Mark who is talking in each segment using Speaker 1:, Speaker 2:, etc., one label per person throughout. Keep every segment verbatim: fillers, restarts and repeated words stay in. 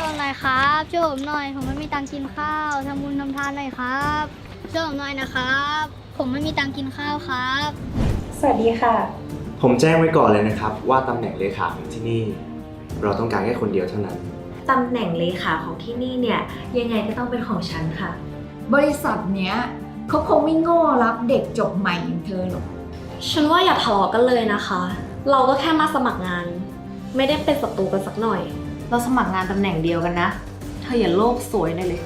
Speaker 1: วยผมหน่อยครับช่วยผมหน่อยผมไม่มีตังค์กินข้าวทำบุญทำทานหน่อยครับช่วยผมหน่อยนะครับผมไม่มีตังค์กินข้าวครับ
Speaker 2: สวัสดีค่ะ
Speaker 3: ผมแจ้งไว้ก่อนเลยนะครับว่าตำแหน่งเลขาของที่นี่ เราต้องการแค่คนเดียวเท่านั้น
Speaker 2: ตำแหน่งเลขาของที่นี่เนี่ยยังไงก็ต้องเป็นของฉันค่ะ
Speaker 4: บริษัทเนี้ยเขาคงไม่โง่รับเด็กจบใหม่อย่างเธอหรอก
Speaker 5: ฉันว่าอย่าทะเลาะกันเลยนะคะ เราก็แค่มาสมัครงานไม่ได้เป็นศัตรูกันสักหน่อย
Speaker 2: เราสมัครงานตำแหน่งเดียวกันนะเธออย่าโลภสวยหน่อยเลย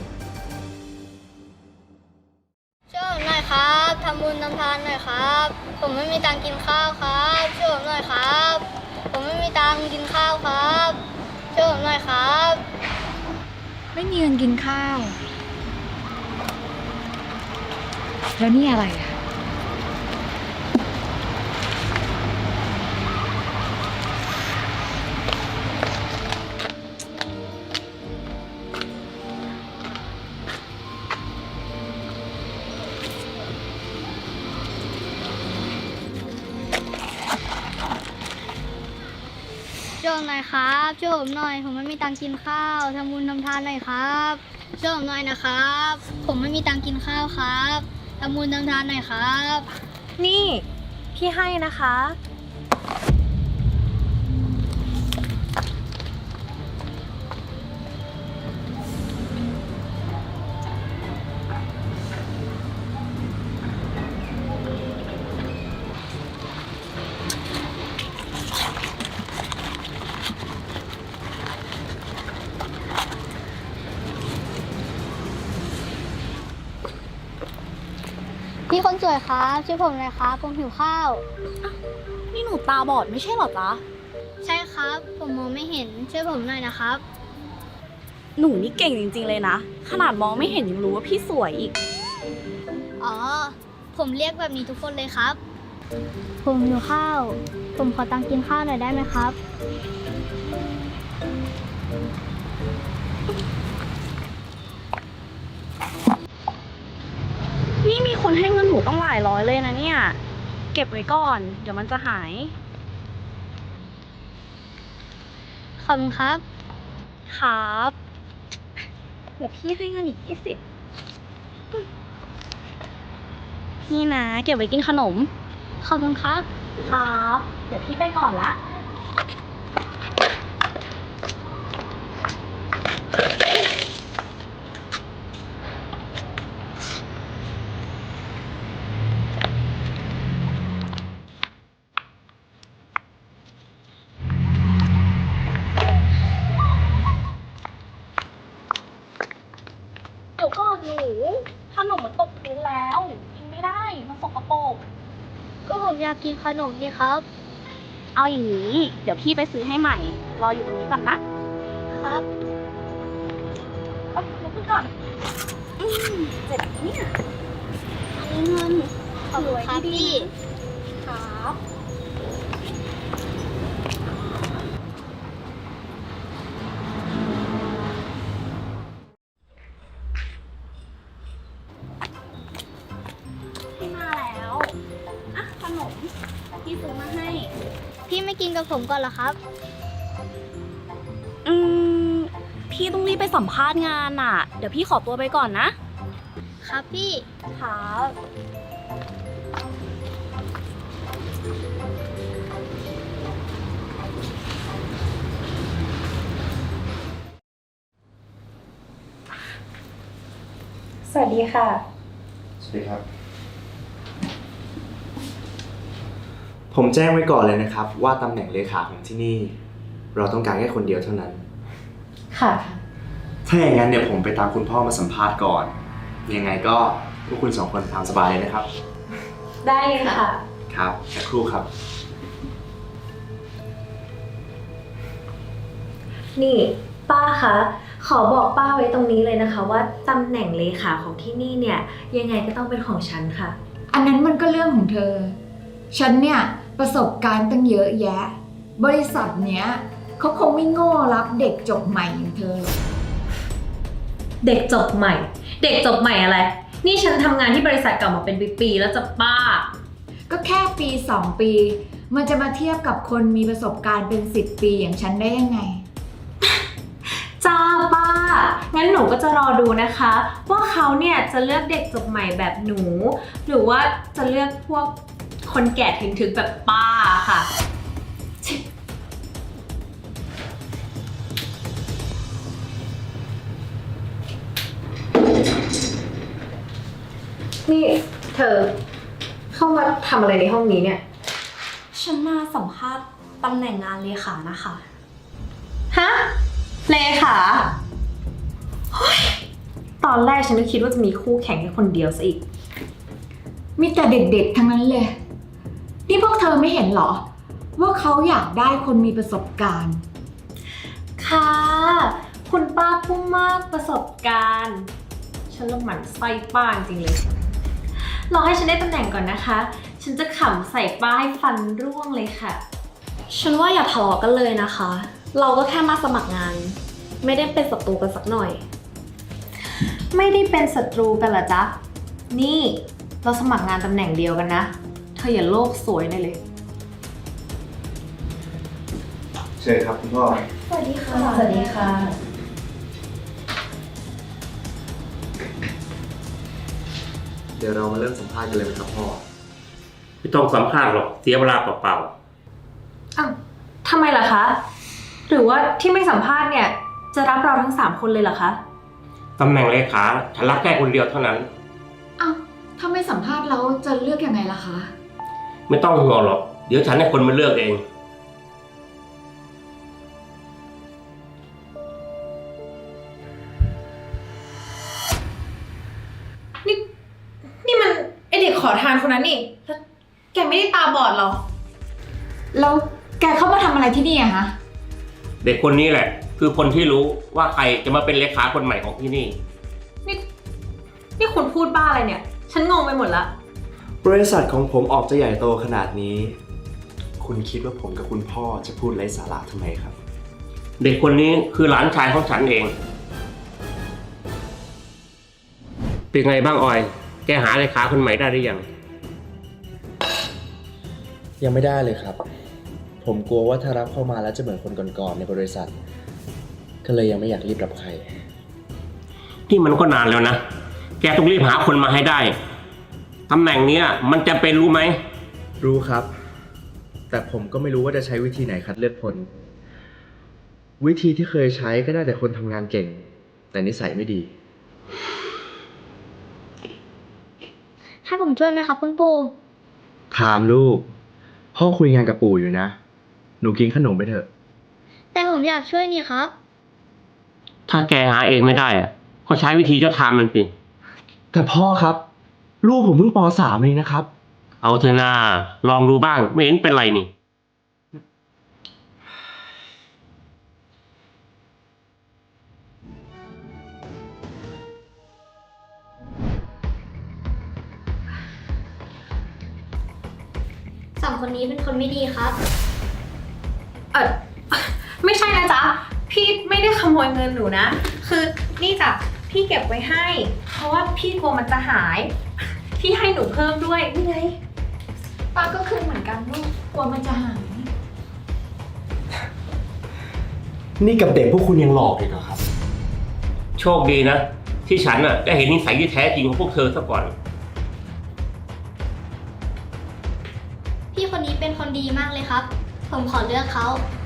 Speaker 1: ช่วยผมหน่อยครับทำบุญทำทานหน่อยครับผมไม่มีตังค์กินข้าวครับช่วยผมหน่อยครับผมไม่มีตังค์กินข้าวครับช่วยผมหน่อยครับ
Speaker 4: ไม่มีเงินกินข้าวแล้วนี่อะไรอ่ะ
Speaker 1: ช่วยผมหน่อยครับช่วยผมหน่อยผมไม่มีตังค์กินข้าวทำบุญทำทานหน่อยครับช่วยผมหน่อยนะครับผมไม่มีตังค์กินข้าวครับทำบุญทำทานหน่อยครับ
Speaker 5: นี่พี่ให้นะคะ
Speaker 1: พี่คนสวยครับช่วยผมหน่อยครับผมหิวข้าว
Speaker 5: นี่หนูตาบอดไม่ใช่หรอจ๊ะ
Speaker 1: ใช่ครับผมมองไม่เห็นช่วยผมหน่อยนะครับ
Speaker 5: หนูนี่เก่งจริงๆเลยนะขนาดมองไม่เห็นยังรู้ว่าพี่สวยอีก
Speaker 1: อ๋อผมเรียกแบบนี้ทุกคนเลยครับผมหิวข้าวผมขอตังค์กินข้าวหน่อยได้ไหมครับ
Speaker 5: นี่มีคนให้เงินหนูต้องหลายร้อยเลยนะเนี่ยเก็บไว้ก่อนเดี๋ยวมันจะหาย
Speaker 1: ขอบคุณครับ
Speaker 5: ครับเดี๋ยวพี่ให้เงินอีกยี่สิบนี่นะเก็บไว้กินขนม
Speaker 1: ขอบคุณครับ
Speaker 5: ครับเดี๋ยวพี่ไปก่อนละเดี๋ยวก่อนหนูขนมมันตกพื้นแล้วกินไม่ได้มันสกปรก
Speaker 1: ก็ผมอยากกินขนมนี่ครับ
Speaker 5: เอาอย่างนี้เดี๋ยวพี่ไปซื้อให้ใหม่รออยู่ตรงนี้ก่อนนะครับเอาลุกขึ้นก่อนอืมเจ็บเนี่ยอันนี้เงิน
Speaker 1: ขอบคุณครับพี่
Speaker 5: ครับพี่มาแล้วอ่ะขนมพี่ซื้อมาให้
Speaker 1: พี่ไม่กินกับผมก่อนเหรอครับ
Speaker 5: อืมพี่ต้องรีบไปสัมภาษณ์งานน่ะเดี๋ยวพี่ขอตัวไปก่อนนะครับ
Speaker 1: พี่
Speaker 5: ครับ
Speaker 2: สวัสดีค่ะ
Speaker 3: สวัสดีครับผมแจ้งไว้ก่อนเลยนะครับว่าตำแหน่งเลขาของที่นี่ เราต้องการแค่คนเดียวเท่านั้น
Speaker 2: ค่ะ
Speaker 3: ถ้าอย่างนั้นเดี๋ยวผมไปตามคุณพ่อมาสัมภาษณ์ก่อนยังไงก็พวกคุณสองคนตามสบายเลยนะครับ
Speaker 2: ได้เลยค่ะ
Speaker 3: ครับสักครู่ครับ
Speaker 2: นี่ป้าคะขอบอกป้าไว้ตรงนี้เลยนะคะว่าตำแหน่งเลขาของที่นี่เนี่ยยังไงก็ต้องเป็นของฉันค่ะ
Speaker 4: อันนั้นมันก็เรื่องของเธอฉันเนี่ยประสบการณ์ตั้งเยอะแยะบริษัทเนี้ยเขาคงไม่โง่รับเด็กจบใหม่อย่างเธอหรอก
Speaker 2: เด็กจบใหม่เด็กจบใหม่อะไรนี่ฉันทำงานที่บริษัทเก่ามาเป็นปีๆแล้วจะป้า
Speaker 4: ก็แค่ปีสองปีมันจะมาเทียบกับคนมีประสบการณ์เป็นสิบปีอย่างฉันได้ยังไง
Speaker 2: จ้างั้นหนูก็จะรอดูนะคะ ว่าเขาเนี่ยจะเลือกเด็กจบใหม่แบบหนู หรือว่าจะเลือกพวกคนแก่ถึงๆแบบป้าค่ะ นี่เธอเข้ามาทำอะไรในห้องนี้เนี่ย
Speaker 6: ฉันมาสัมภาษณ์ตำแหน่งงานเลขานะคะ
Speaker 2: ฮะ เลขาเฮ้ยตอนแรกฉันก็คิดว่าจะมีคู่แข่งแค่คนเดียวซะอีก
Speaker 4: มีแต่เด็กๆทั้งนั้นเลย นี่พวกเธอไม่เห็นเหรอ ว่าเขาอยากได้คนมีประสบการณ์
Speaker 2: ค่ะ คุณป้าผู้มากประสบการณ์ ฉันละหมั่นไส้ป้าจริงเลย รอให้ฉันได้ตำแหน่งก่อนนะคะ ฉันจะขำใส่ป้าให้ฟันร่วงเลยค่ะ
Speaker 6: ฉันว่าอย่าทะเลาะกันเลยนะคะ เราก็แค่มาสมัครงาน ไม่ได้เป็นศัตรูกันสักหน่อย
Speaker 2: ไม่ได้เป็นศัตรูกันเหรอจ๊ะ นี่เราสมัครงานตำแหน่งเดียวกันนะ เธออย่าโลกสวยได้เลย
Speaker 3: เชิญครับคุณพ่อ
Speaker 6: สวัสดีค่ะ
Speaker 2: สวัสดีค่ะ
Speaker 3: เดี๋ยวเรามาเริ่มสัมภาษณ์กันเลยไหมครับพ่อ
Speaker 7: ไม่ต้องสัมภาษณ์หรอกเสียเวลาเปล่า
Speaker 2: อ้าวทำไมล่ะคะ หรือว่าที่ไม่สัมภาษณ์เนี่ย จะรับเราทั้งสามคนเลยเหรอคะ
Speaker 7: ๆตำแหน่งเลขาฉันรับแค่คนเดียวเท่านั้น
Speaker 4: อ้าว ถ้าไม่สัมภาษณ์แล้วจะเลือกยังไงล่ะคะ
Speaker 7: ไม่ต้องห่วงหรอกเดี๋ยวฉันให้คนมาเลือกเอง
Speaker 2: นี่นี่มันไอเด็กขอทานคนนั้นนี่แล้วแกไม่ได้ตาบอดเหรอ
Speaker 4: แล้วแกเข้ามาทำอะไรที่นี่อะฮะ
Speaker 7: เด็กคนนี้แหละ คือคนที่รู้ว่าใครจะมาเป็นเลขาคนใหม่ของที่นี่
Speaker 2: นี่นี่คุณพูดบ้าอะไรเนี่ย ฉันงงไปหมดละ
Speaker 3: บริษัทของผมออกจะใหญ่โตขนาดนี้ คุณคิดว่าผมกับคุณพ่อจะพูดไร้สาระทำไมครับ
Speaker 7: เด็กคนนี้คือหลานชายของฉันเอง เป็นไงบ้างออย แกหาเลขาคนใหม่ได้หรือยัง
Speaker 3: ยังไม่ได้เลยครับ ผมกลัวว่าถ้ารับเข้ามาแล้วจะเหมือนคนก่อนๆในบริษัท ก็เลยยังไม่อยากรีบรับใคร
Speaker 7: ที่มันก็นานแล้วนะ แกต้องรีบหาคนมาให้ได้ ตำแหน่งเนี้ยมันจะเป็นรู้ไหม
Speaker 3: รู้ครับ แต่ผมก็ไม่รู้ว่าจะใช้วิธีไหนคัดเลือกคน วิธีที่เคยใช้ก็ได้แต่คนทำงานเก่ง แต่นิสัยไม่ดี
Speaker 1: ให้ผมช่วยไหมครับคุณปู่
Speaker 3: ถามลูก พ่อคุยงานกับปู่อยู่นะ หนูกินขนมไปเถอะ
Speaker 1: แต่ผมอยากช่วยนี่ครับ
Speaker 7: ถ้าแกหาเองไม่ได้อะก็ใช้วิธีเจ้าทางมันสิ
Speaker 3: แต่พ่อครับ ลูกผมเพิ่งป สามเองนะครับ
Speaker 7: เอาเถอะนาลองดูบ้างไม่เห็นเป็นไรนี่
Speaker 1: สองคนนี้เป็นคนไม่ดีครับ
Speaker 2: เออไม่ใช่นะจ๊ะ พี่ไม่ได้ขโมยเงินหนูนะ คือนี่จ้ะพี่เก็บไว้ให้ เพราะว่าพี่กลัวมันจะหาย พี่ให้หนูเพิ่มด้วยนี่ไง
Speaker 4: ป้าก็คือเหมือนกันลูก กลัวมันจะหาย
Speaker 3: นี่กับเด็กพวกคุณยังหลอกอีกเหรอครับ
Speaker 7: โชคดีนะ ที่ฉันน่ะได้เห็นนิสัยที่แท้จริงของพวกเธอซะก่อน
Speaker 1: พี่คนนี้เป็นคนดีมากเลยครับ ผมขอเลือกเขา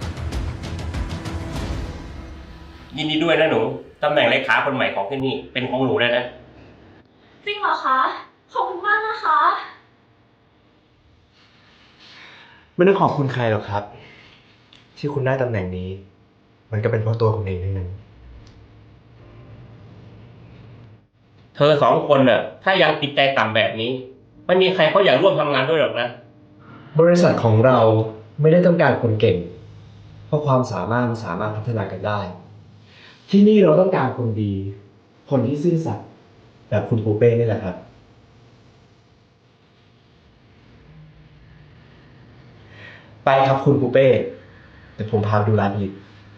Speaker 7: ยินดีด้วยนะหนู ตำแหน่งเลขาคนใหม่ของที่นี่เป็นของหนูแล้วนะ
Speaker 6: จริงเหรอคะ ขอบคุณมากนะคะ
Speaker 3: ไม่ต้องขอบคุณใครหรอกครับ ที่คุณได้ตำแหน่งนี้ มันก็เป็นเพราะตัวคุณเองทั้งนั้น
Speaker 7: เธอสองคนน่ะ ถ้ายังติดใจต่ำแบบนี้ไม่มีใครเขาอยากร่วมทำงานด้วยหรอกนะ
Speaker 3: บริษัทของเราไม่ได้ต้องการคนเก่ง เพราะความสามารถมันสามารถพัฒนากันได้ ที่นี่เราต้องการคนดี คนที่ซื่อสัตย์แบบคุณปูเป้นี่แหละครับ ไปครับคุณปูเป้เดี๋ยวผมพาไปดูร้านอีก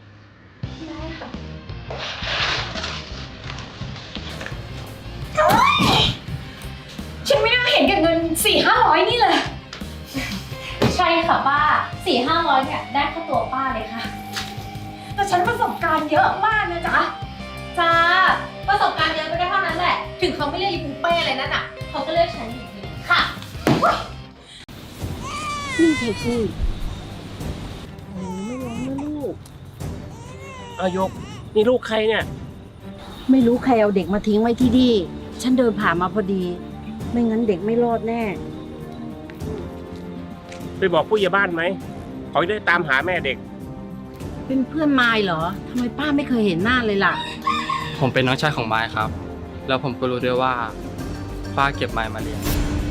Speaker 4: ฉันไม่น่าเห็นแก่เงินสี่ห้าร้อยนี่เลย
Speaker 6: ใช่ค่ะป้า สี่ห้าร้อยเนี่ยได้ค่าตัวป้าเลยค่ะ
Speaker 4: แต่ฉันประสบการณ์เยอะมากนะจ๊ะ
Speaker 2: จ้าเขาไม่เรียกอีปูเป้อะไรนั่นอ่ะเขาก็เรียกฉันอย่างนี้ค่ะ
Speaker 5: นี่เทกี้โอ้ไม่ร้องนะลูก
Speaker 7: เอายก นี่ลูกใครเนี่ย
Speaker 5: ไม่รู้ใครเอาเด็กมาทิ้งไว้ที่นี่ ฉันเดินผ่านมาพอดี ไม่งั้นเด็กไม่รอดแน่
Speaker 7: ไปบอกผู้ใหญ่บ้านไหมเขาจะได้ตามหาแม่เด็ก
Speaker 5: เป็นเพื่อนมายเหรอ ทำไมป้าไม่เคยเห็นหน้าเลยล่ะ
Speaker 8: ผมเป็นน้องชายของไม้ครับ แล้วผมก็รู้ด้วยว่าป้าเก็บไม้มาเลี้ยง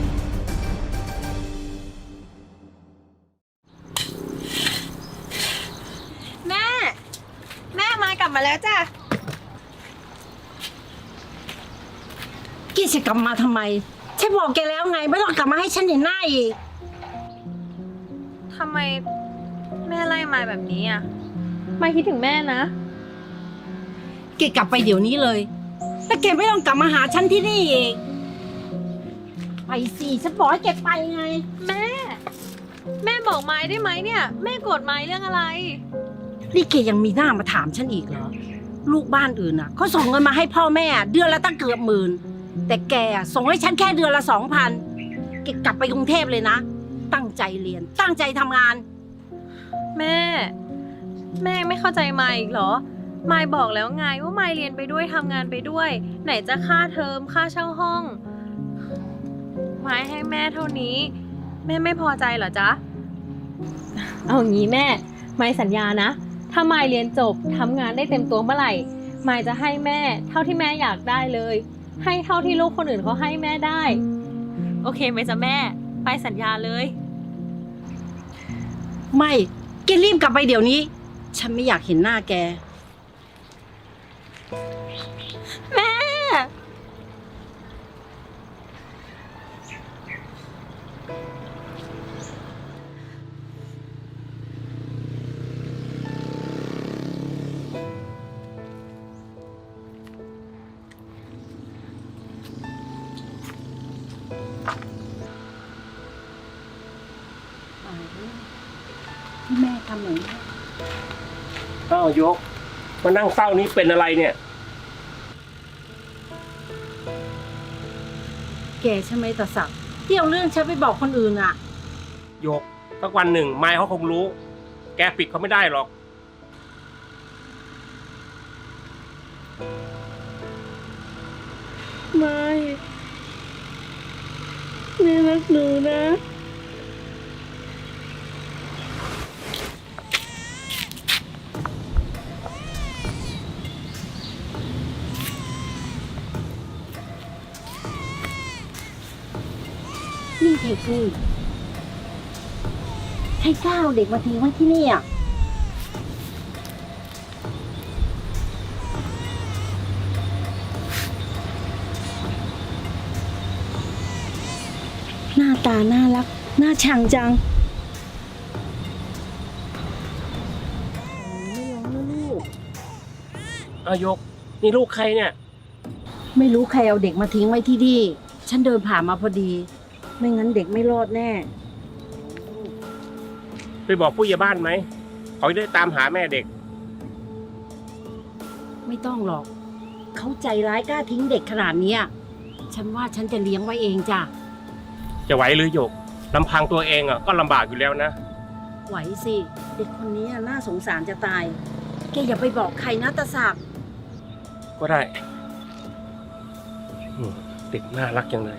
Speaker 2: แม่ แม่มากลับมาแล้วจ้ะ
Speaker 5: กี้จะกลับมาทำไม ฉันบอกแกแล้วไง ไม่ต้องกลับมาให้ฉันเห็นหน้าอีก
Speaker 2: ทำไมแม่ไล่มายแบบนี้อ่ะมายคิดถึงแม่นะ
Speaker 5: แกกลับไปเดี๋ยวนี้เลย แต่แกไม่ต้องกลับมาหาฉันที่นี่อีก ไปสิฉันบอกให้แกไปไง
Speaker 2: แม่ แม่บอกมายได้ไหมเนี่ย แม่โกรธมายเรื่องอะไร
Speaker 5: นี่แกยังมีหน้ามาถามฉันอีกเหรอ ลูกบ้านอื่นอ่ะเขาส่งเงินมาให้พ่อแม่เดือนละตั้งเกือบหมื่น แต่แกอะส่งให้ฉันแค่เดือนละสองพันแกกลับไปกรุงเทพเลยนะ ตั้งใจเรียน ตั้งใจทำงาน
Speaker 2: แม่ แม่ไม่เข้าใจมายอีกเหรอ มายบอกแล้วไงว่ามายเรียนไปด้วยทำงานไปด้วย ไหนจะค่าเทอมค่าเช่าห้อง มายให้แม่เท่านี้ แม่ไม่พอใจเหรอจ๊ะ เอางี้แม่ มายสัญญานะ ถ้ามายเรียนจบทำงานได้เต็มตัวเมื่อไหร่ มายจะให้แม่เท่าที่แม่อยากได้เลย ให้เท่าที่ลูกคนอื่นเขาให้แม่ได้ โอเคไหมจ๊ะแม่ ไปสัญญาเลย
Speaker 5: ไม่แกรีบกลับไปเดี๋ยวนี้ ฉันไม่อยากเห็นหน้าแก
Speaker 2: แม่
Speaker 5: ที่แม่ทำอย่างนี้
Speaker 7: อ้าวยก มานั่งเศร้านี้เป็นอะไรเนี่ย
Speaker 5: แกใช่ไหมตาศักดิ์ที่เอาเรื่องฉันไปบอกคนอื่นอ่ะ
Speaker 7: ยกสักวันหนึ่งไม้เขาคงรู้ แกปิดเขาไม่ได้หรอก
Speaker 6: ไม่แม่รักหนูนะ
Speaker 5: นี่เทกี้ใครกล้าเอาเด็กมาทิ้งไว้ที่นี่อ่ะ หน้าตาน่ารัก น่าชังจัง
Speaker 6: ไม่ร้องนะลูก
Speaker 7: เอายก นี่ลูกใครเนี่ย
Speaker 5: ไม่รู้ใครเอาเด็กมาทิ้งไว้ที่นี่ ฉันเดินผ่านมาพอดี ไม่งั้นเด็กไม่รอดแน่
Speaker 7: ไปบอกผู้ใหญ่บ้านไหมเขาจะได้ตามหาแม่เด็ก
Speaker 5: ไม่ต้องหรอก เขาใจร้ายกล้าทิ้งเด็กขนาดเนี้ยฉันว่าฉันจะเลี้ยงไว้เองจ้ะ
Speaker 7: จะไหวหรือหยกลำพังตัวเองอ่ะก็ลำบากอยู่แล้วนะ
Speaker 5: ไหวสิ เด็กคนนี้น่าสงสารจะตาย แกอย่าไปบอกใครนะตาศักดิ์
Speaker 7: ก็ได้อืมเด็กน่ารักจังเลย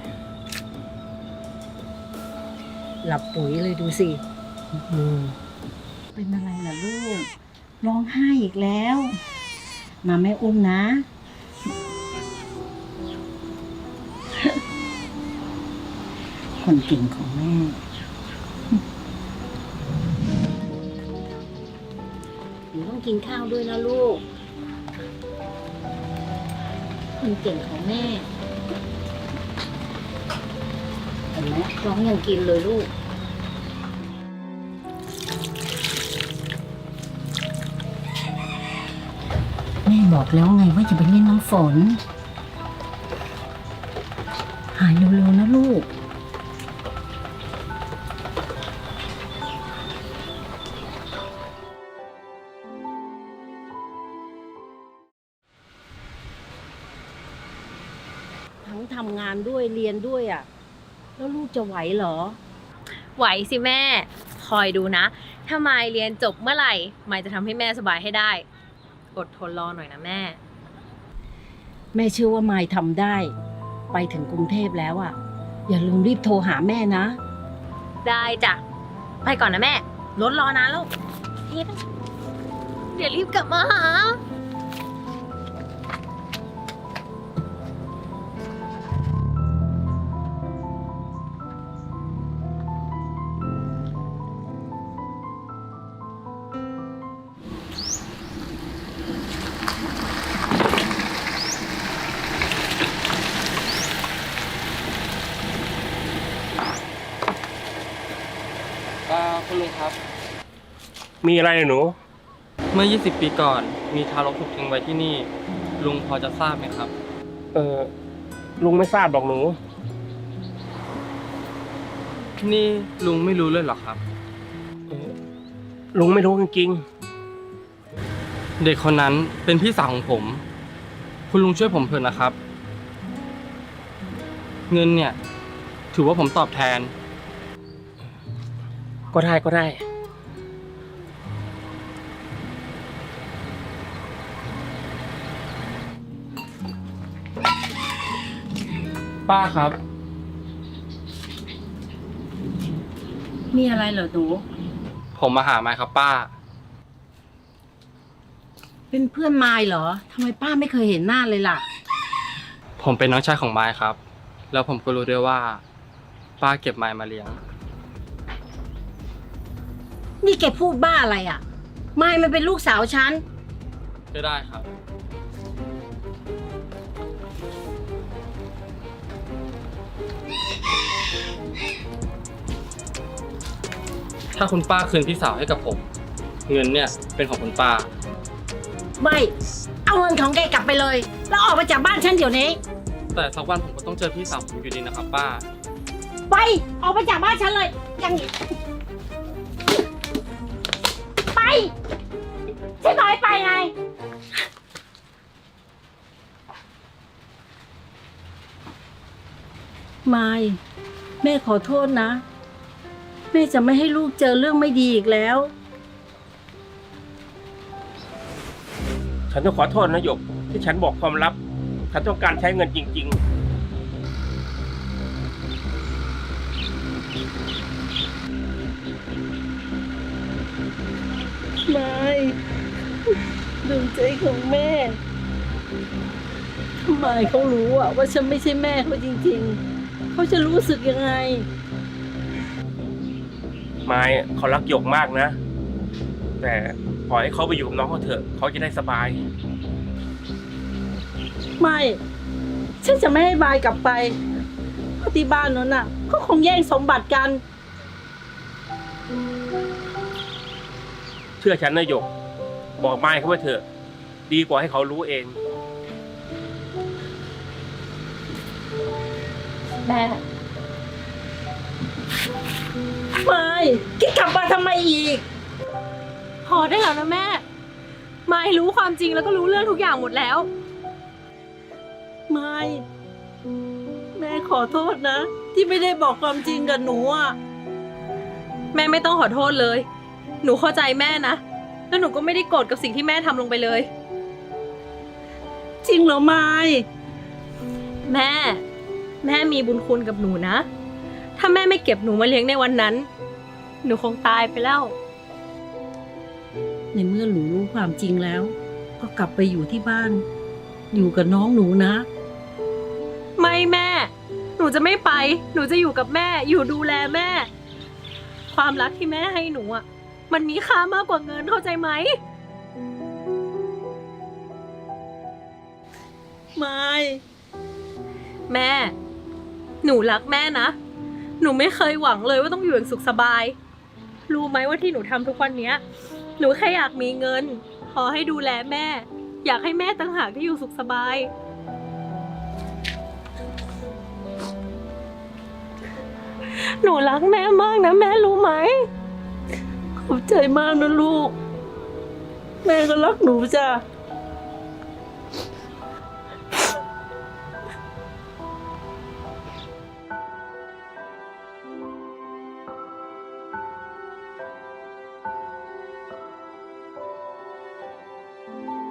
Speaker 5: หลับปุ๋ยเลยดูสิเป็นอะไรล่ะลูก ร้องไห้อีกแล้ว มาแม่อุ้มนะ คนเก่งของแม่ หนูต้องกินข้าวด้วยนะลูก คนเก่งของแม่เห็นไหมร้องยังกินเลยลูก แม่บอกแล้วไงว่าจะไปเล่นน้ำฝน หายเร็วๆนะลูก
Speaker 9: ทั้งทำงานด้วยเรียนด้วยอ่ะแล้วลูกจะไหวเหรอ
Speaker 2: ไหวสิแม่ คอยดูนะ ถ้ามายเรียนจบเมื่อไหร่มายจะทำให้แม่สบายให้ได้ อดทนรอหน่อยนะแม่
Speaker 9: แม่เชื่อว่ามายทำได้ ไปถึงกรุงเทพแล้วอ่ะอย่าลืมรีบโทรหาแม่นะ
Speaker 2: ได้จ้ะ ไปก่อนนะแม่ รถรอนานแล้วเดี๋ยวรีบกลับมาหา
Speaker 8: อ่าคุณลุงครับ
Speaker 7: มีอะไรหนู
Speaker 8: เมื่อ ยี่สิบ ปีก่อน มีทารกถูกทิ้งไว้ที่นี่ ลุงพอจะทราบไหมครับ
Speaker 7: เออลุงไม่ทราบหรอกหนู
Speaker 8: นี่ลุงไม่รู้เลยเหรอครับ
Speaker 7: ลุงไม่รู้จริง
Speaker 8: เด็กคนนั้นเป็นพี่สาวของผม คุณลุงช่วยผมเถอะนะครับ เงินเนี่ย ถือว่าผมตอบแทน
Speaker 7: ๆก็ได้ก็ได้
Speaker 8: ป้าครับ
Speaker 9: มีอะไรเหรอหนู
Speaker 8: ผมมาหาไม้ครับป้า
Speaker 9: เป็นเพื่อนมายเหรอทำไมป้าไม่เคยเห็นหน้าเลยล่ะ
Speaker 8: ผมเป็นน้องชายของไม้ครับ แล้วผมก็รู้ด้วยว่า ป้าเก็บไม้มาเลี้ยง
Speaker 9: นี่แกพูดบ้าอะไรอ่ะมายมันเป็นลูกสาวฉัน
Speaker 8: ก็ได้ครับ ถ้าคุณป้าคืนพี่สาวให้กับผม เงินเนี่ยเป็นของคุณป้า
Speaker 9: ไม่ เอาเงินของแกกลับไปเลย แล้วออกไปจากบ้านฉันเดี๋ยวนี้
Speaker 8: แต่สักวันผมก็ต้องเจอพี่สาวผมอยู่ดีนะครับป้า
Speaker 9: ไป ออกไปจากบ้านฉันเลยอย่างนี้ไปฉันบอกให้ไปไง มาย แม่ขอโทษนะ แม่จะไม่ให้ลูกเจอเรื่องไม่ดีอีกแล้ว
Speaker 7: ฉันต้องขอโทษนะหยก ที่ฉันบอกความลับ ฉันต้องการใช้เงินจริง ๆ
Speaker 9: ไม่ดวงใจของแม่ทำไมเขารู้อะว่าฉันไม่ใช่แม่เขาจริงๆ เขาจะรู้สึกยังไง
Speaker 7: ไม้เขารักหยกมากนะ แต่ปล่อยให้เขาไปอยู่กับน้องเขาเถอะ เขาจะได้สบาย
Speaker 9: ไม่ ฉันจะไม่ให้บายกลับไปเพราะที่บ้านนั้นน่ะเขาคงแย่งสมบัติกัน
Speaker 7: เชื่อฉันนะหยก บอกไม้เขาไว้เถอะ ดีกว่าให้เขารู้เอง
Speaker 2: แม่
Speaker 9: ไม่แกกลับมาทำไมอีก
Speaker 2: พอได้แล้วนะแม่ มายรู้ความจริงแล้วก็รู้เรื่องทุกอย่างหมดแล้ว
Speaker 9: ไม่ แม่ขอโทษนะ ที่ไม่ได้บอกความจริงกับหนูอ่ะ
Speaker 2: แม่ไม่ต้องขอโทษเลย หนูเข้าใจแม่นะ แล้วหนูก็ไม่ได้โกรธกับสิ่งที่แม่ทำลงไปเลย
Speaker 9: จริงเหรอไม่
Speaker 2: แม่ แม่มีบุญคุณกับหนูนะ ถ้าแม่ไม่เก็บหนูมาเลี้ยงในวันนั้น หนูคงตายไปแล้ว
Speaker 9: ในเมื่อหนูรู้ความจริงแล้ว ก็กลับไปอยู่ที่บ้าน อยู่กับน้องหนูนะ
Speaker 2: ไม่แม่ หนูจะไม่ไป หนูจะอยู่กับแม่ อยู่ดูแลแม่ ความรักที่แม่ให้หนูอ่ะ มันมีค่ามากกว่าเงินเข้าใจไหม
Speaker 9: ไม่
Speaker 2: แม่ หนูรักแม่นะ หนูไม่เคยหวังเลยว่าต้องอยู่อย่างสุขสบาย รู้ไหมว่าที่หนูทำทุกวันเนี้ย หนูแค่อยากมีเงิน พอให้ดูแลแม่ อยากให้แม่ต่างหากที่อยู่สุขสบาย หนูรักแม่มากนะแม่รู้ไหม
Speaker 9: ขอบใจมากนะลูก แม่ก็รักหนูจ้ะ
Speaker 1: ค